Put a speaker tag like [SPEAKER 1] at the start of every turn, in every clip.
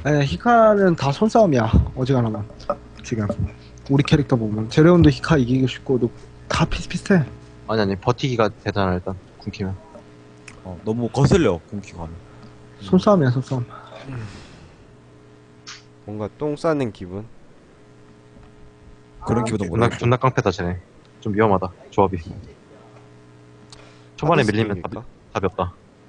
[SPEAKER 1] 아니, 히카는 다 손싸움이야. 어지간하면. 지금. 우리 캐릭터 보면. 제레온도 히카 이기기 쉽고, 다 비슷비슷해.
[SPEAKER 2] 아니 버티기가 되잖아 일단 궁키면.
[SPEAKER 3] 너무 거슬려 공기가 하면.
[SPEAKER 1] 손싸움이야, 손싸움.
[SPEAKER 4] 뭔가 똥 싸는 기분.
[SPEAKER 3] 그런 기분도
[SPEAKER 2] 존나
[SPEAKER 3] 모르겠어.
[SPEAKER 2] 존나 깡패다 쟤네. 좀 위험하다 조합이. 초반에
[SPEAKER 4] 하드
[SPEAKER 2] 밀리면
[SPEAKER 4] 스킬일까?
[SPEAKER 2] 답이 없다.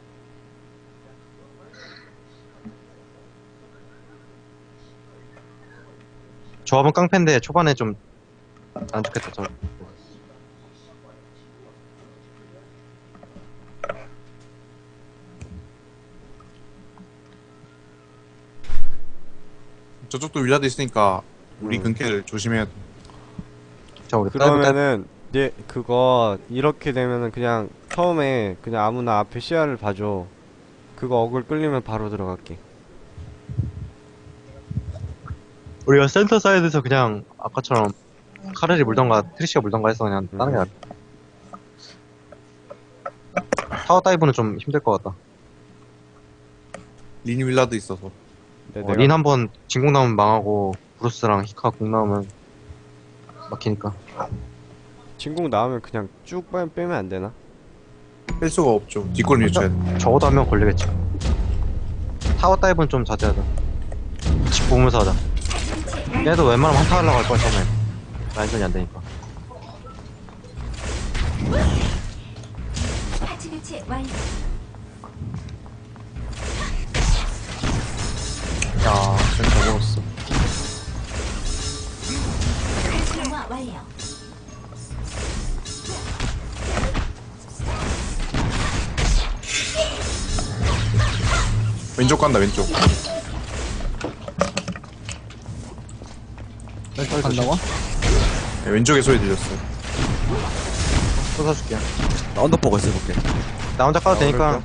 [SPEAKER 2] 조합은 깡패인데 초반에 좀 안 좋겠다 저.
[SPEAKER 5] 저쪽도 윌라드 있으니까 우리 근캐를 조심해야 돼.
[SPEAKER 2] 자 우리
[SPEAKER 4] 그러면은 얘 그거 이렇게 되면은 그냥 처음에 그냥 아무나 앞에 시야를 봐줘. 그거 어글 끌리면 바로 들어갈게.
[SPEAKER 2] 우리가 센터 사이드에서 그냥 아까처럼 카레리 물던가 트리시가 물던가 해서 그냥 따는 게 낫다. 타워 다이브는 좀 힘들 것 같다.
[SPEAKER 5] 린 윌라드 있어서.
[SPEAKER 2] 린 한번 진공 나오면 망하고 브루스랑 히카 공 나오면 막히니까.
[SPEAKER 4] 진공 나오면 그냥 쭉 빼면 안 되나?
[SPEAKER 5] 뺄 수가 없죠. 뒷골 밀쳐야 돼.
[SPEAKER 2] 적어도 하면 걸리겠지. 타워 다이브는 좀 자제하자. 집 보면서 하자. 얘도 웬만하면 한타 하려고 할 거야 처음에. 라인전이 안 되니까.
[SPEAKER 6] 파츠 교체 완료.
[SPEAKER 5] 야, 쟤잘 먹었어.
[SPEAKER 6] 활성화 완료.
[SPEAKER 5] 왼쪽 간다, 왼쪽.
[SPEAKER 1] 왼쪽 간다고?
[SPEAKER 5] 네, 왼쪽에 소리 들렸어요.
[SPEAKER 2] 또 사줄게.
[SPEAKER 3] 나 언더포가 있어볼게.
[SPEAKER 2] 나 혼자 까도 되니까.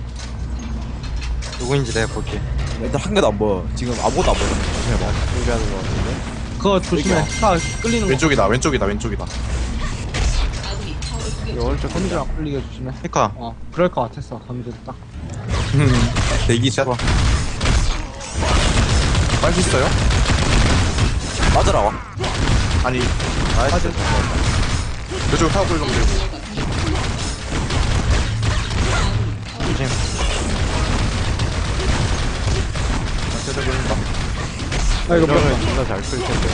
[SPEAKER 2] 누구인지 내가 볼게.
[SPEAKER 3] 일단 한 개도 안 보여. 지금 아무것도 안 보여. 조심해봐.
[SPEAKER 4] 준비하는 거 같은데.
[SPEAKER 1] 그거 조심해. 히카 끌리는 거.
[SPEAKER 5] 왼쪽이다, 왼쪽이다, 왼쪽이다.
[SPEAKER 4] 이 오른쪽
[SPEAKER 1] 건들 안 끌리게 조심해.
[SPEAKER 2] 히카.
[SPEAKER 1] 그럴 것 같았어. 건들 딱.
[SPEAKER 5] 대기샷. 빨리 있어요?
[SPEAKER 3] 맞으라 와.
[SPEAKER 5] 아니,
[SPEAKER 2] 나이스.
[SPEAKER 5] 저쪽 타워 꿀좀 들고.
[SPEAKER 2] 조심.
[SPEAKER 5] 제대로 걸린다.
[SPEAKER 1] 아, 이거
[SPEAKER 4] 이러면
[SPEAKER 1] 뭐야?
[SPEAKER 4] 존나 잘 끌 텐데.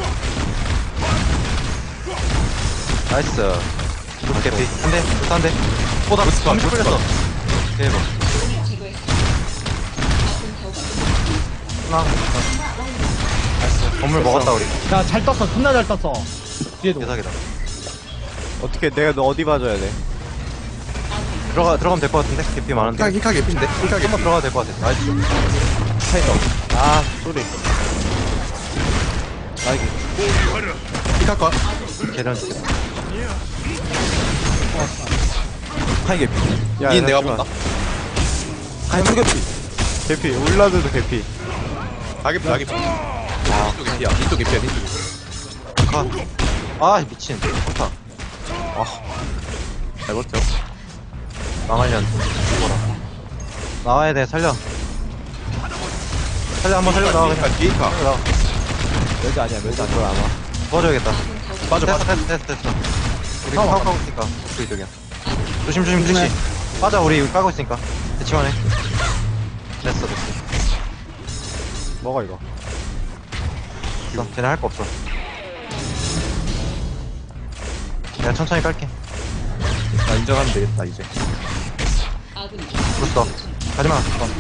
[SPEAKER 2] 나이스. 루트 개피. 한 대, 루트 한 대. 나 잠시 끌렸어. 대박. 하나. 나이스. 건물 먹었다, 우리.
[SPEAKER 1] 야, 잘 떴어. 존나 잘 떴어. 뒤에도.
[SPEAKER 2] 개사기다.
[SPEAKER 4] 어떻게 내가 너 어디 봐줘야 돼?
[SPEAKER 2] 들어가면 될 것 같은데? 개피 많은데.
[SPEAKER 5] 히카 개핀데? 히카 개핀.
[SPEAKER 2] 한번 들어가도 될 것 같아. 나이스.
[SPEAKER 4] 아 소리.
[SPEAKER 5] 히카 컷.
[SPEAKER 2] 계란.
[SPEAKER 3] 하이 개피.
[SPEAKER 4] 야,
[SPEAKER 5] 린 내가
[SPEAKER 4] 잠시만.
[SPEAKER 5] 본다.
[SPEAKER 3] 하이 투 개피.
[SPEAKER 4] 개피. 울라드도 개피.
[SPEAKER 5] 가개피, 가개피. 이쪽 개피야, 이쪽 개피야, 이쪽.
[SPEAKER 2] 컷. 아, 미친. 좋다.
[SPEAKER 5] 잘 버텨.
[SPEAKER 2] 망하련. 죽어라. 나와야 돼, 살려. 한번 살려, 나와, 그냥.
[SPEAKER 5] 뒤에 히카.
[SPEAKER 2] 살려, 나와.
[SPEAKER 3] 멸지 아니야. 멸지 아니야.
[SPEAKER 4] 그걸 아마.
[SPEAKER 2] 도와줘야겠다.
[SPEAKER 5] 빠져,
[SPEAKER 2] 됐어,
[SPEAKER 5] 빠져.
[SPEAKER 2] 됐어. 우리 까고 있으니까. 그 이쪽이야. 조심, 그렇지. 빠져, 우리 까고 있으니까. 대치만 해. 됐어.
[SPEAKER 4] 뭐가 이거?
[SPEAKER 2] 됐어. 쟤네 할 거 없어. 내가 천천히 깔게.
[SPEAKER 5] 나 인정하면 되겠다, 이제.
[SPEAKER 2] 불었어. 가지마.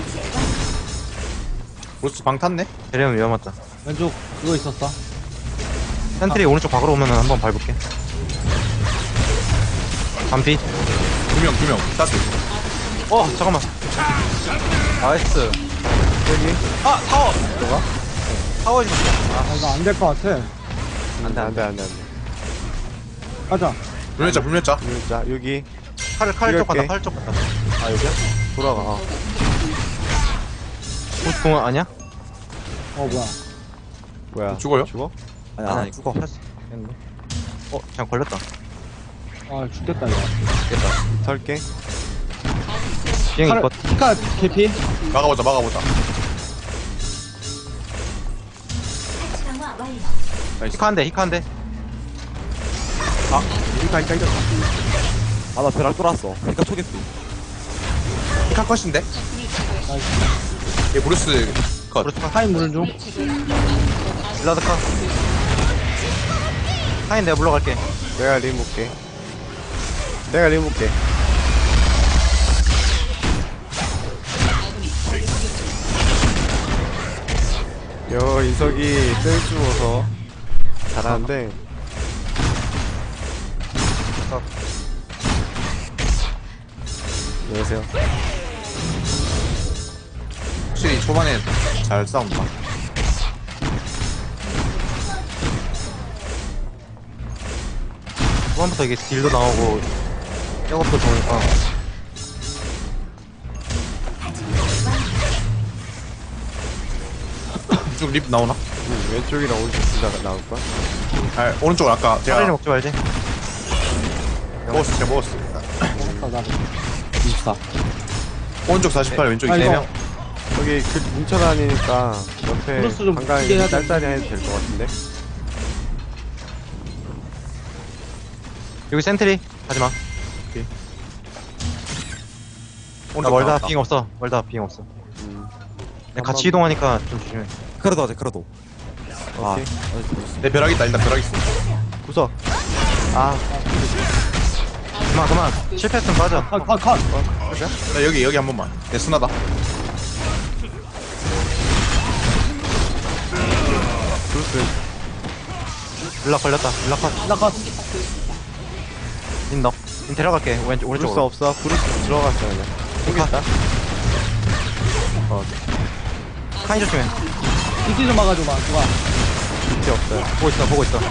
[SPEAKER 5] 브루스 방 탔네?
[SPEAKER 2] 데리면 위험하다.
[SPEAKER 1] 왼쪽 그거 있었어.
[SPEAKER 2] 센트리 오른쪽 박으로 오면은 한번 밟을게. 반피.
[SPEAKER 5] 두 명. 따스.
[SPEAKER 2] 잠깐만. 나이스.
[SPEAKER 4] 여기.
[SPEAKER 2] 타워. 타워 있어.
[SPEAKER 1] 아, 이거 안 될 것 같아.
[SPEAKER 4] 안돼.
[SPEAKER 1] 가자.
[SPEAKER 5] 불멸자.
[SPEAKER 4] 자 여기
[SPEAKER 2] 칼 쪽 간다.
[SPEAKER 4] 이렇게.
[SPEAKER 2] 칼 쪽 간다. 아 여기야?
[SPEAKER 4] 돌아가.
[SPEAKER 2] 공원 아니야?
[SPEAKER 1] 뭐야.
[SPEAKER 4] 뭐야?
[SPEAKER 5] 죽어요?
[SPEAKER 4] 죽어?
[SPEAKER 3] 아니 죽어.
[SPEAKER 2] 했는데. 그냥 걸렸다.
[SPEAKER 1] 아, 죽겠다, 이거.
[SPEAKER 2] 죽겠다.
[SPEAKER 4] 털게.
[SPEAKER 2] 비행기 거.
[SPEAKER 1] 히카 개피?
[SPEAKER 5] 막아보자.
[SPEAKER 6] 완료.
[SPEAKER 5] 나이스.
[SPEAKER 2] 히카한데 히카한데.
[SPEAKER 5] 히카 히카.
[SPEAKER 3] 아나 벼락 뚫었어. 그러니까 초계피.
[SPEAKER 5] 히카 컷인데? 얘 브루스 컷.
[SPEAKER 2] 브루스 컷.
[SPEAKER 1] 타임 무는 중.
[SPEAKER 2] 블라드 컷. 카인 내가 물러갈게.
[SPEAKER 4] 내가 림 볼게. 내가 림 볼게. 인석이 땡 주워서 잘하는데 안녕하세요.
[SPEAKER 5] 확실히 초반에 잘 싸운다.
[SPEAKER 2] 초반부터 이게 딜도 나오고 백업도 좋으니까.
[SPEAKER 5] 이쪽 립 나오나?
[SPEAKER 4] 왼쪽이랑 오른쪽 둘 다 나올걸?
[SPEAKER 5] 아 오른쪽 아까
[SPEAKER 2] 차라리
[SPEAKER 5] 제가
[SPEAKER 2] 먹지 말지.
[SPEAKER 5] 먹었어. 제가 먹었어.
[SPEAKER 1] 먹었다 나도. 24.
[SPEAKER 5] 오른쪽 48 왼쪽
[SPEAKER 1] 아,
[SPEAKER 5] 4명.
[SPEAKER 4] 저기 그 뭉쳐다니니까 옆에
[SPEAKER 1] 플러스 좀
[SPEAKER 4] 한강이
[SPEAKER 1] 크게 해야
[SPEAKER 4] 짤짤이 해도 될 것 같은데?
[SPEAKER 2] 여기 센트리 하지마. 나
[SPEAKER 5] 오른쪽
[SPEAKER 2] 멀다
[SPEAKER 5] 나왔다.
[SPEAKER 2] 빙 없어. 멀다 빙 없어.
[SPEAKER 4] 음.
[SPEAKER 2] 그냥 같이 이동하니까 좀 조심해.
[SPEAKER 3] 크라도 하자 크라도. 아.
[SPEAKER 4] 오케이.
[SPEAKER 5] 내 벼락 있다. 일단 벼락 있어.
[SPEAKER 4] 구석.
[SPEAKER 2] 아. 그만. 실패했으면 빠져.
[SPEAKER 1] 컷, 컷, 컷.
[SPEAKER 5] 나 여기 한 번만. 내 순하다.
[SPEAKER 4] 브루스.
[SPEAKER 2] 블락 걸렸다. 블락 컷.
[SPEAKER 1] 나 컷.
[SPEAKER 2] 인 너. 인 데려갈게. 왼쪽
[SPEAKER 4] 브루스
[SPEAKER 2] 오른쪽으로.
[SPEAKER 4] 없어. 브루스 들어갔어 그냥. 생겼다.
[SPEAKER 2] 카인 조심해.
[SPEAKER 1] 이끼 좀 막아줘 봐. 누가?
[SPEAKER 4] 밑에 없어요.
[SPEAKER 2] 보고 있어.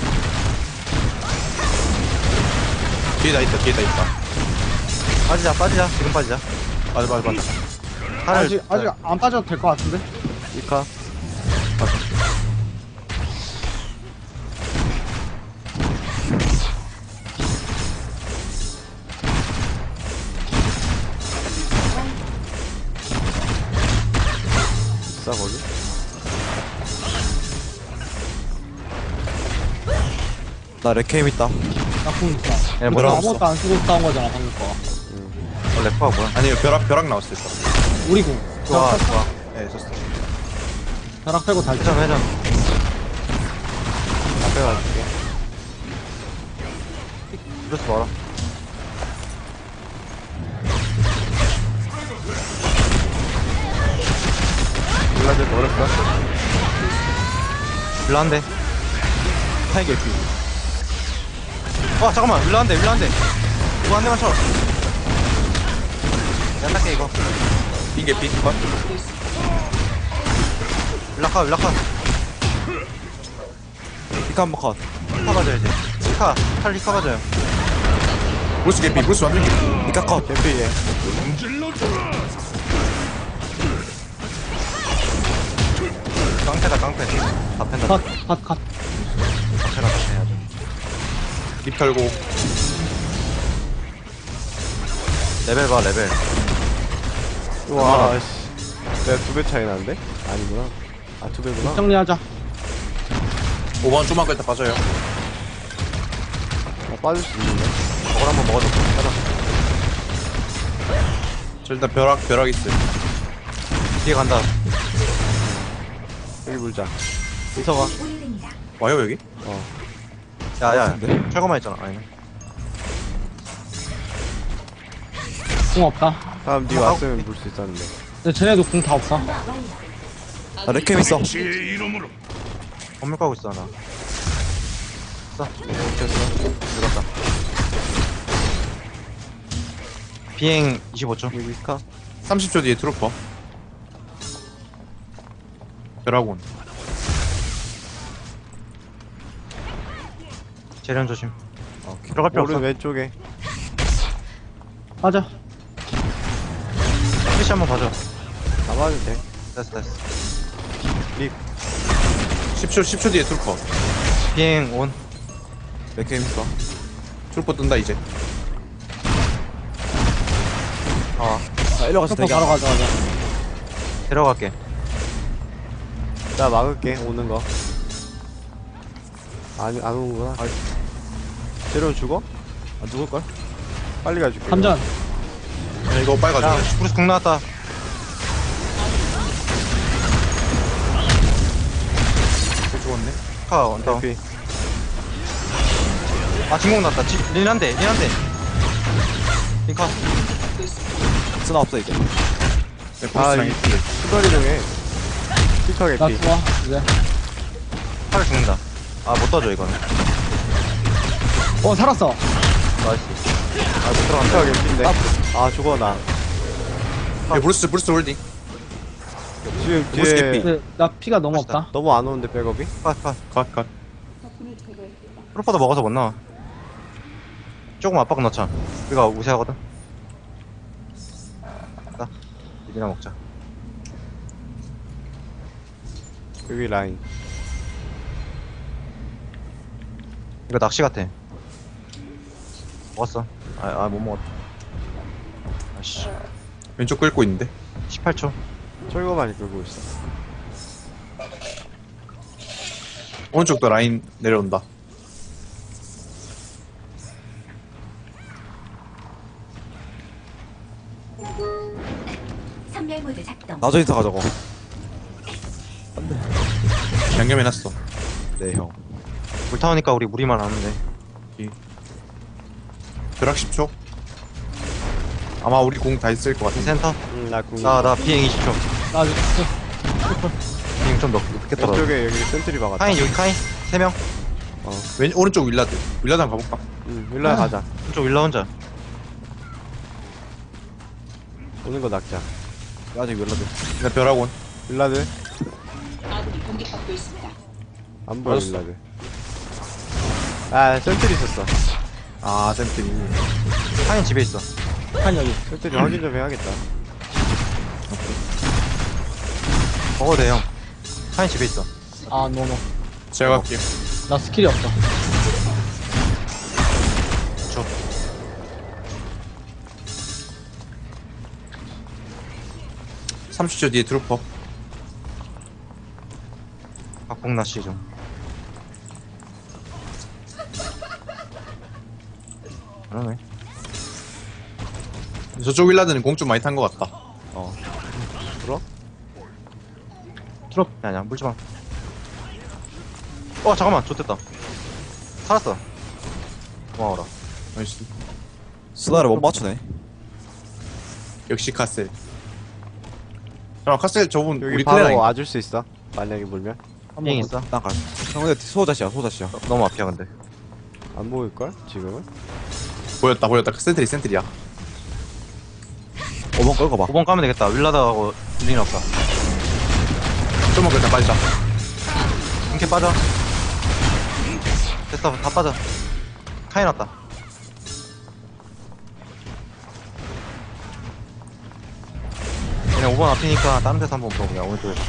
[SPEAKER 5] 뒤에다 있다.
[SPEAKER 2] 빠지자. 지금 빠지자.
[SPEAKER 5] 맞아.
[SPEAKER 1] 아직 안 빠져도 될 것 같은데?
[SPEAKER 4] 이카. 있어 거기?
[SPEAKER 3] 나 레케임 있다.
[SPEAKER 1] 나궁 있다.
[SPEAKER 2] 얘
[SPEAKER 1] 이거
[SPEAKER 2] 뭐라고
[SPEAKER 1] 아무것도 안 쓰고 싸운 거잖아 방금 거.
[SPEAKER 2] 래퍼가 뭐야?
[SPEAKER 5] 아니 벼락 나왔을 때.
[SPEAKER 1] 우리 궁.
[SPEAKER 2] 좋아.
[SPEAKER 5] 예, 썼어.
[SPEAKER 1] 벼락 빼고 달자.
[SPEAKER 2] 회전.
[SPEAKER 4] 앞에 가줄게.
[SPEAKER 2] 브루스 봐라.
[SPEAKER 4] 블라드 어렵다.
[SPEAKER 2] 블라한데.
[SPEAKER 3] 카인 개피.
[SPEAKER 2] 잠깐만. 블라한데. 이거 한 대만 쳐. 내가 닦게 이거.
[SPEAKER 5] 빙계 빙 컷.
[SPEAKER 2] 블락카.
[SPEAKER 3] 히카 한번 컷.
[SPEAKER 2] 히카 가져야지. 칼 히카 가져요.
[SPEAKER 5] 브루스 개피. 브루스 완전 개피.
[SPEAKER 3] 히카 컷.
[SPEAKER 4] 개피해.
[SPEAKER 2] 깡패. 다 팬다.
[SPEAKER 1] 컷.
[SPEAKER 2] 깡패라 해야죠.
[SPEAKER 5] 립 털고.
[SPEAKER 2] 레벨 봐, 레벨.
[SPEAKER 4] 와, 씨. 내가 2배 차이 나는데? 아니구나. 아, 2배구나.
[SPEAKER 1] 정리하자.
[SPEAKER 5] 5번 좀만 끌다 빠져요.
[SPEAKER 4] 빠질 수 있는데?
[SPEAKER 2] 저걸 한번 먹어줘. 가자.
[SPEAKER 5] 저 일단 벼락 있어요.
[SPEAKER 2] 뒤에 간다.
[SPEAKER 4] 여기 물자. 이서가.
[SPEAKER 6] 오래됩니다.
[SPEAKER 5] 와요 여기?
[SPEAKER 2] 야.
[SPEAKER 3] 같은데?
[SPEAKER 2] 철거만 있잖아. 아니네.
[SPEAKER 1] 궁 없다.
[SPEAKER 4] 다음 니 왔으면 물 수 있었는데.
[SPEAKER 1] 근데 쟤네도 궁 다 없어.
[SPEAKER 6] 완료.
[SPEAKER 3] 나 레케임 있어.
[SPEAKER 2] 건물 가고 있어, 나. 됐어. 들어갔다. 비행 25초.
[SPEAKER 4] 여기 이카.
[SPEAKER 5] 30초 뒤에 트루퍼. 벼락온.
[SPEAKER 2] 재련 조심.
[SPEAKER 3] 오케이.
[SPEAKER 2] 들어갈 필요 없어.
[SPEAKER 4] 오른 왼쪽에.
[SPEAKER 1] 빠져.
[SPEAKER 2] 피시 한번 봐줘.
[SPEAKER 4] 잡아도 돼.
[SPEAKER 2] 됐어.
[SPEAKER 5] 10초 뒤에 트루퍼.
[SPEAKER 2] 비행 온.
[SPEAKER 3] 레케임 있어.
[SPEAKER 5] 트루퍼 뜬다 이제.
[SPEAKER 3] 나 일로 가서
[SPEAKER 1] 슈퍼
[SPEAKER 3] 대기.
[SPEAKER 1] 바로 가져가자.
[SPEAKER 2] 데려갈게.
[SPEAKER 4] 나 막을게, 오는 거. 안 오는구나. 재료 죽어?
[SPEAKER 3] 안 죽을걸?
[SPEAKER 4] 빨리 가줄게.
[SPEAKER 1] 함전.
[SPEAKER 5] 야, 이거 빨리
[SPEAKER 2] 야
[SPEAKER 5] 가져.
[SPEAKER 2] 브루스 궁 나왔다.
[SPEAKER 5] 죽었네.
[SPEAKER 2] 카 원터.
[SPEAKER 4] 대피.
[SPEAKER 2] 아 진공 났다. 린한대. 링카.
[SPEAKER 3] 쓰나 없어 이제.
[SPEAKER 5] 네,
[SPEAKER 4] 아,
[SPEAKER 5] 보스랑
[SPEAKER 4] 이-
[SPEAKER 5] 있길래.
[SPEAKER 4] 수다리 중에. 피터
[SPEAKER 1] 나
[SPEAKER 4] 개피.
[SPEAKER 1] 좋아. 이제.
[SPEAKER 2] 칼 죽는다. 아 못 떠줘 이거는.
[SPEAKER 1] 살았어.
[SPEAKER 2] 나이스. 아못 들어간다.
[SPEAKER 4] 피터 개피인데. 아 죽어 나.
[SPEAKER 5] 야, 브루스 홀딩.
[SPEAKER 4] 지금
[SPEAKER 5] 보스
[SPEAKER 4] 뒤에
[SPEAKER 5] 개피.
[SPEAKER 1] 네, 나 피가 너무
[SPEAKER 2] 맛있다.
[SPEAKER 1] 없다.
[SPEAKER 4] 너무 안 오는데 백업이?
[SPEAKER 2] 컷.
[SPEAKER 5] 컷.
[SPEAKER 2] 프로퍼도 먹어서 못 나와. 조금 압박 넣자. 우리가 우세하거든. 나 이리나 먹자.
[SPEAKER 4] 여기 라인.
[SPEAKER 2] 이거 낚시 같아. 먹었어. 못 먹었다. 아씨.
[SPEAKER 5] 왼쪽 끌고 있는데.
[SPEAKER 2] 18초.
[SPEAKER 4] 철거 많이 끌고 있어.
[SPEAKER 5] 오른쪽도 라인 내려온다.
[SPEAKER 6] 선멸 모드 작동.
[SPEAKER 3] 나저 인사 가자고.
[SPEAKER 5] 양념해놨어.
[SPEAKER 3] 네 형.
[SPEAKER 2] 물 타오니까 우리 무리만 하는데.
[SPEAKER 5] 벼락 10초. 아마 우리 공 다 있을 것 같은데.
[SPEAKER 2] 센터.
[SPEAKER 4] 나 궁.
[SPEAKER 2] 나 비행 20초.
[SPEAKER 1] 나 아직
[SPEAKER 2] 비행 좀 높게 떨어.
[SPEAKER 4] 왼쪽에 여기 센트리 박았다.
[SPEAKER 2] 카인 여기 카인 3명.
[SPEAKER 5] 오른쪽 윌라드. 윌라드 한번 가볼까?
[SPEAKER 4] 일로 가자.
[SPEAKER 2] 왼쪽 윌라 혼자.
[SPEAKER 4] 오는 거 낚자.
[SPEAKER 3] 아직 웰라드.
[SPEAKER 5] 나 벼락온.
[SPEAKER 4] 일라드. 안 보여
[SPEAKER 5] 맞았어.
[SPEAKER 4] 일라드. 아 센트리 있었어.
[SPEAKER 5] 아, 샘플이.
[SPEAKER 2] 카인 집에 있어.
[SPEAKER 1] 한 여기.
[SPEAKER 4] 센트리 확인 좀 해야겠다.
[SPEAKER 2] 먹어도 돼 형. 카인 집에 있어.
[SPEAKER 1] 아, 너무.
[SPEAKER 5] 제가 갈게요.
[SPEAKER 1] 나 스킬이 없어.
[SPEAKER 2] 줘.
[SPEAKER 5] 삼 30초 뒤에 트루퍼.
[SPEAKER 2] 박봉 낚시 좀. 그러네.
[SPEAKER 5] 저쪽 윌라드는 공 좀 많이 탄 것 같다.
[SPEAKER 2] 아니야 물지마. 잠깐만 좋됐다. 살았어. 고마워라.
[SPEAKER 5] 나이스.
[SPEAKER 3] 쓰나를 못 맞추네.
[SPEAKER 5] 역시 카셀. 잠깐 카셀 저분
[SPEAKER 4] 여기
[SPEAKER 5] 우리
[SPEAKER 4] 바로
[SPEAKER 5] 클레랑
[SPEAKER 4] 와줄 수 있어. 만약에 물면
[SPEAKER 2] 비행 있어.
[SPEAKER 3] 난 갈. 형 근데 소자시야 소자시야.
[SPEAKER 2] 너무 앞이야 근데.
[SPEAKER 4] 안 보일 걸 지금은.
[SPEAKER 5] 보였다. 센트리야.
[SPEAKER 3] 5번 끌고 봐.
[SPEAKER 2] 5번 까면 되겠다. 윌라드하고 린 없다.
[SPEAKER 5] 좀만 그냥 빠지자.
[SPEAKER 2] 이렇게 빠져. 됐어 다 빠져. 카인 왔다. 얘네 5번 앞이니까 다른 데서 한번 보자. 오른쪽에서.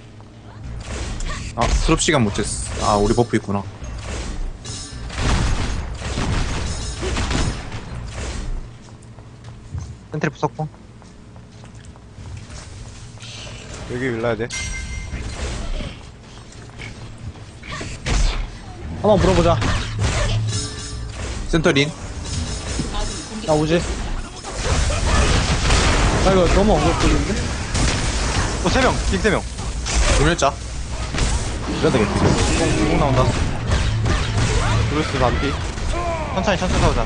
[SPEAKER 5] 아, 트롭 시간 못 쟀어. 아, 우리 버프 있구나.
[SPEAKER 2] 센트리 부석봉.
[SPEAKER 4] 여기 일라야 돼.
[SPEAKER 1] 한번 물어보자.
[SPEAKER 5] 센터린.
[SPEAKER 1] 나 오지. 나 이거 너무 어렵거든데?
[SPEAKER 2] 3명. 빅 3명.
[SPEAKER 5] 조멸자.
[SPEAKER 3] 웰라드 개피.
[SPEAKER 2] 공 나온다.
[SPEAKER 4] 브루스 반피.
[SPEAKER 2] 천천히 싸우자.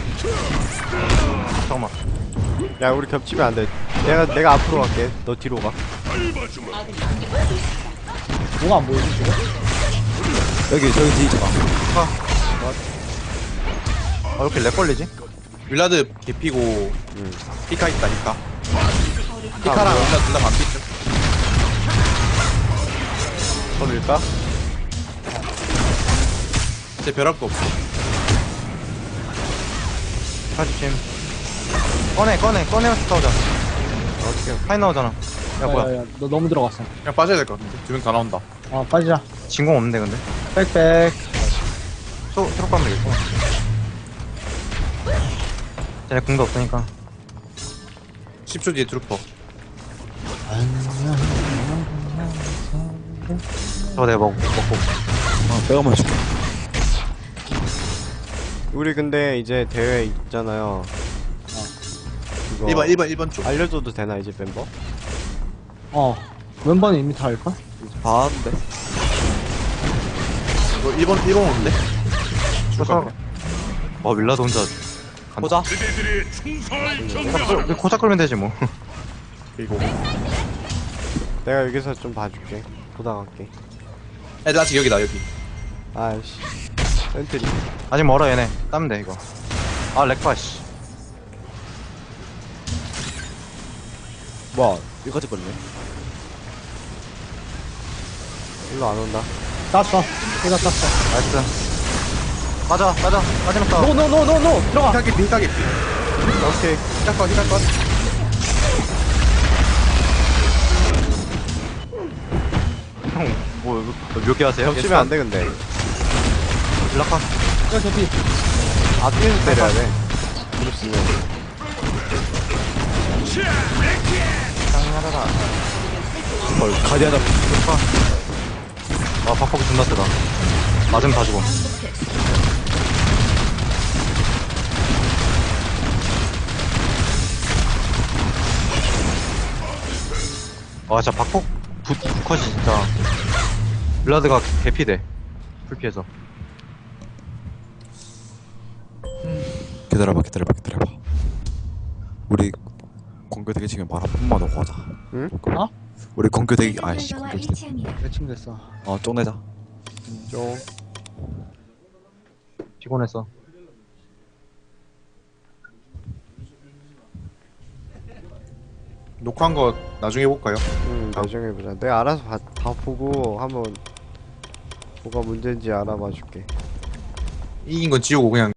[SPEAKER 2] 잠깐만.
[SPEAKER 4] 야 우리 겹치면 안 돼. 내가 앞으로 갈게. 너 뒤로 가.
[SPEAKER 1] 뭐가 안 보이지, 지금?
[SPEAKER 3] 여기 저기 뒤에 있잖아.
[SPEAKER 2] 왜 이렇게 렉 걸리지?
[SPEAKER 5] 윌라드 개피고, 히카 있다, 히카. 히카랑 윌라드 둘다 반피죠.
[SPEAKER 4] 걸릴까?
[SPEAKER 5] 제 벼락도 없어.
[SPEAKER 2] 가주심. 꺼내면서 싸우자. 어떻게 파인 나오잖아. 야 뭐야.
[SPEAKER 1] 야, 너 너무 들어갔어.
[SPEAKER 5] 그냥 빠져야 될 것 같은데. 두 명 다 나온다.
[SPEAKER 1] 아, 빠지자.
[SPEAKER 2] 진공 없는데 근데.
[SPEAKER 1] 빽빽.
[SPEAKER 2] 트럭 가면 되겠고. 쟤네 궁도 없으니까.
[SPEAKER 5] 10초 뒤에 트루퍼.
[SPEAKER 2] 저거 내가 먹고.
[SPEAKER 3] 어, 빼가만 줄게.
[SPEAKER 4] 우리 근데 이제 대회 있잖아요. 그거
[SPEAKER 5] 1번 쪽.
[SPEAKER 4] 알려줘도 되나 이제 멤버?
[SPEAKER 1] 멤버는 이미 다 알걸?
[SPEAKER 3] 봤는데.
[SPEAKER 5] 이거 1번 오는데?
[SPEAKER 2] 그래서 윌라드 혼자
[SPEAKER 3] 보자.
[SPEAKER 2] 고작 끌면 되지 뭐.
[SPEAKER 5] 그리고
[SPEAKER 4] 내가 여기서 좀 봐줄게. 보다 갈게.
[SPEAKER 5] 애들 아직 여기다 여기.
[SPEAKER 4] 아이씨. 센트리.
[SPEAKER 2] 아직 멀어 얘네. 따면 돼 이거. 아 렉바 씨.
[SPEAKER 3] 뭐야, 여기까지 걸리네.
[SPEAKER 4] 일로 안 온다.
[SPEAKER 1] 땄어. 내가 땄어.
[SPEAKER 2] 나이스. 맞아 마지막 싸움.
[SPEAKER 1] 노 들어가.
[SPEAKER 5] 피카 개피.
[SPEAKER 4] 오케이.
[SPEAKER 5] 히카 컷.
[SPEAKER 2] 형뭐 몇 개 하세요?
[SPEAKER 4] 겹치면 안 돼 근데.
[SPEAKER 2] 윌라카.
[SPEAKER 1] 야 개피.
[SPEAKER 4] 아 뒤에서 때려야 돼. 그렇으면.
[SPEAKER 3] 헐, 가디안 잡.
[SPEAKER 2] 아 박폭이 존나 세다. 맞으면 다 죽어. 아 진짜 박폭 컷이 진짜 블라드가 개피돼. 풀피해서.
[SPEAKER 3] 기다려봐. 우리 공교대기 지금 말 한 번만 더 하자.
[SPEAKER 4] 응?
[SPEAKER 1] 어?
[SPEAKER 3] 우리 공교대기, 아이씨,
[SPEAKER 6] 목표와
[SPEAKER 3] 공교대기.
[SPEAKER 6] 일치합니다.
[SPEAKER 1] 매칭 됐어.
[SPEAKER 3] 쪽내자.
[SPEAKER 4] 좀.
[SPEAKER 2] 피곤했어.
[SPEAKER 5] 녹화한 거 나중에 볼까요?
[SPEAKER 4] 나중에 보자. 내가 알아서 다 보고 한번 뭐가 문제인지 알아봐 줄게.
[SPEAKER 5] 이긴 건 지우고 그냥